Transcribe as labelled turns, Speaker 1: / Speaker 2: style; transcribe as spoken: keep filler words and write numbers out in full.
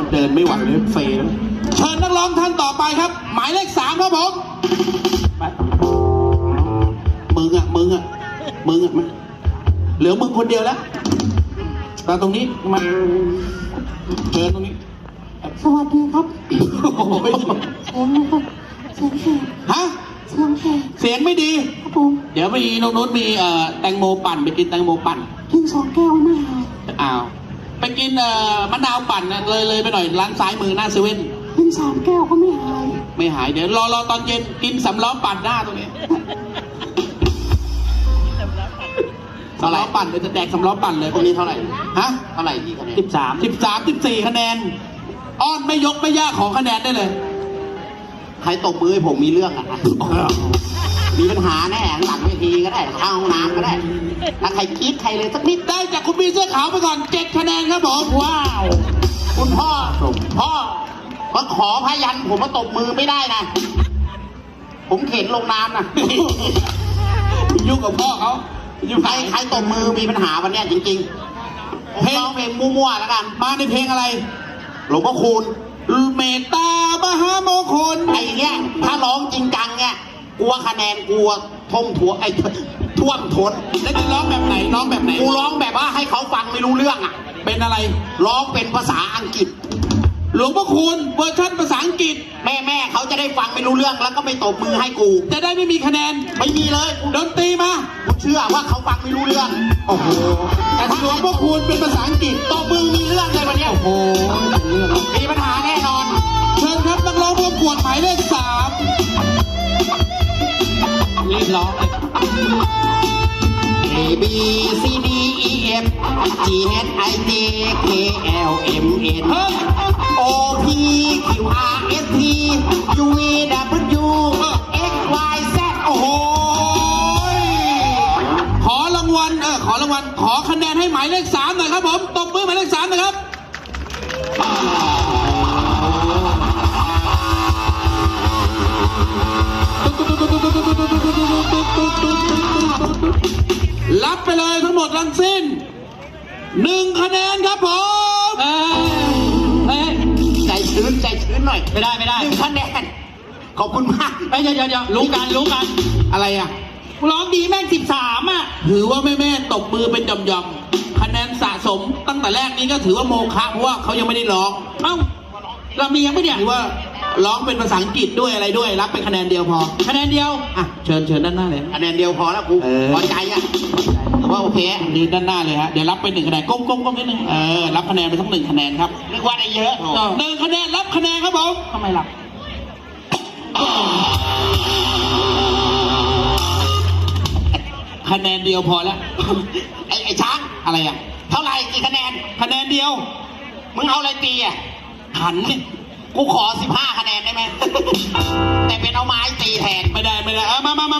Speaker 1: เดินไม่ไหวเลยเฟยแล้วเชิญนักร้องท่านต่อไปครับหมายเลขสามครับผมมึงอ่ะมึงอ่ะมึงอ่ะมาเหลือมึงคนเดียวแล้วมาตรงนี้มาเชิญตรงนี้
Speaker 2: สวัสดีครับ
Speaker 1: โอ้โหไม่ถูก
Speaker 2: เสียงนะครับเสียงแหบ
Speaker 1: ฮะ
Speaker 2: เสียงแหบ
Speaker 1: เสียงไม่ดี
Speaker 2: ครับผม
Speaker 1: เดี๋ยวมีน้องนุชมีเอ่อแตงโมปั่นไปกินแตงโมปั่น
Speaker 2: กินสองแก้วไม่หาย
Speaker 1: อ้าวไปกินเอ่อมะนาวปั่นนะเลยเลยไปหน่อยร้านซ้ายมือหน้าเซเว่น
Speaker 2: กินสามแก้วก็ไม่หาย
Speaker 1: ไม่หายเดี๋ยวรอรอตอนเย็นกินสำล้อปั่นหน้าตรงนี้สำล้อปั่นเดี๋ยวจะแดกสำล้อปั่นเลย
Speaker 3: พวกนี้เท่าไหร่
Speaker 1: ฮะ
Speaker 3: เท่าไหร่กี่คะแนน
Speaker 1: สิบสามสิบสามสิบสี่คะแนนอ้อนไม่ยกไม่ยากของคะแนนได้เลย
Speaker 3: ใครตบมือให้ผมมีเรื่องอ่ะมีปัญหาแน่หลังเวทีก็ได้ข้างห้องน้ำก็ได้ถ้าใครคิดใครเลยสักนิด
Speaker 1: ได้จากคุณพี่เสื้อขาวไปก่อนเจ็ดคะแนนครับผมว้าว
Speaker 3: คุณพ่อพ่อมาขอพยันผมมาตบมือไม่ได้นะผมเข็นลงน้ำนะ
Speaker 1: ยุ่งกับพ่อเขายุ่ง
Speaker 3: ใครใครตบมือมีปัญหาวันเนี้ยจริงๆผมร้องเพลงมั่วๆแล้วกัน
Speaker 1: มาในเพลงอะไร
Speaker 3: หลวงพ่อคูณ
Speaker 1: เมตตามหามงคล
Speaker 3: ไอ้เนี้ยถ้าร้องจริงจังเนี่ยกลัวคะแนนกลัวท่มถั่วไอ้ท่วมท้น
Speaker 1: แล้วจะร้องแบบไหนร้องแบบไหน
Speaker 3: กูร้องแบบว่าให้เขาฟังไม่รู้เรื่องอ่ะ
Speaker 1: เป็นอะไร
Speaker 3: ร้องเป็นภาษาอังกฤษ
Speaker 1: หลวงพ่อคูณเวอร์ชันภาษาอังกฤษ
Speaker 3: แม่แม่เขาจะได้ฟังไม่รู้เรื่องแล้วก็ไม่ตบมือให้กู
Speaker 1: จะได้ไม่มีคะแนน
Speaker 3: ไม่มีเลย
Speaker 1: ดนตรีมา
Speaker 3: กูเชื่อว่าเขาฟังไม่รู้เรื่อง
Speaker 1: โอ้โหแต่ถ้าหลวงพ่อคูณเป็นภาษาอังกฤษ
Speaker 3: ตบมือมีเรื่องเลยวันเนี้ย
Speaker 1: โอ้โห
Speaker 3: มีปัญหาแน่นอน
Speaker 1: เชิญครับนักร้องประกวดหมายเลขสามรีบร้อง
Speaker 3: A B C D E F G H I J K L M N
Speaker 1: เฮ้ย
Speaker 3: O P Q R S T U V W X Y Z
Speaker 1: โอ้โหขอรางวัลเออขอรางวัลขอคะแนนให้หมายเลขสามหน่อยครับผมตบมือหมายเลขสามหนะครับรับไปเลยทั้งหมดทั้งสิ้นหนึ่งคะแนนครับผมเอ้ยเอ้ย
Speaker 3: ใจชื้นใจชื้นหน่อย
Speaker 1: ไม่ได้ไม่ได้
Speaker 3: หนึ่งคะแนนขอบคุณมาก
Speaker 1: เอ้ยเดี๋ยวเดี๋ยวรู้กันรู้กันอะไรอ่ะร้องดีแม่งสิบสามอ่ะถือว่าแม่แม่ตบมือเป็นหย่อมๆคะแนนสะสมตั้งแต่แรกนี้ก็ถือว่าโมฆะเพราะว่าเขายังไม่ได้ร้องเอ้าเรามียังไม่เนี่ยถือว่าร้องเป็นภาษาอังกฤษด้วยอะไรด้วยรับไปคะแนนเดียวพอคะแนนเดียวอ่ะเชิญเชิญด้านหน้าเลย
Speaker 3: คะแนนเดียวพอแล้วกู
Speaker 1: เออ
Speaker 3: พอใจอ่ะแต่ว่าโอเค
Speaker 1: นี่ด้านหน้าเลยฮะเดี๋ยวรับไปหนึ่งคะแนนก้มก้มก้มนิดนึงเออรับคะแนนไปทั้งหนึ่งคะแนนครับ
Speaker 3: นึกว่าได้เยอะ
Speaker 1: หนึ่งคะแนนรับคะแนนครับผมทำไมล่ะคะแนนเดียวพอแล้ว
Speaker 3: ไอ้ไอ้ช้าง
Speaker 1: อะไรอ่ะ
Speaker 3: เท่าไหร่กี่คะแนน
Speaker 1: คะแนนเดียว
Speaker 3: มึงเอาอะไรตีอ่ะ
Speaker 1: หันเนี่ย
Speaker 3: กูขอสิบห้าคะแนนได้ไหม แต่เป็นเอาไม้ตีแทน
Speaker 1: ไม่ได้ไม่ได้เออมามามา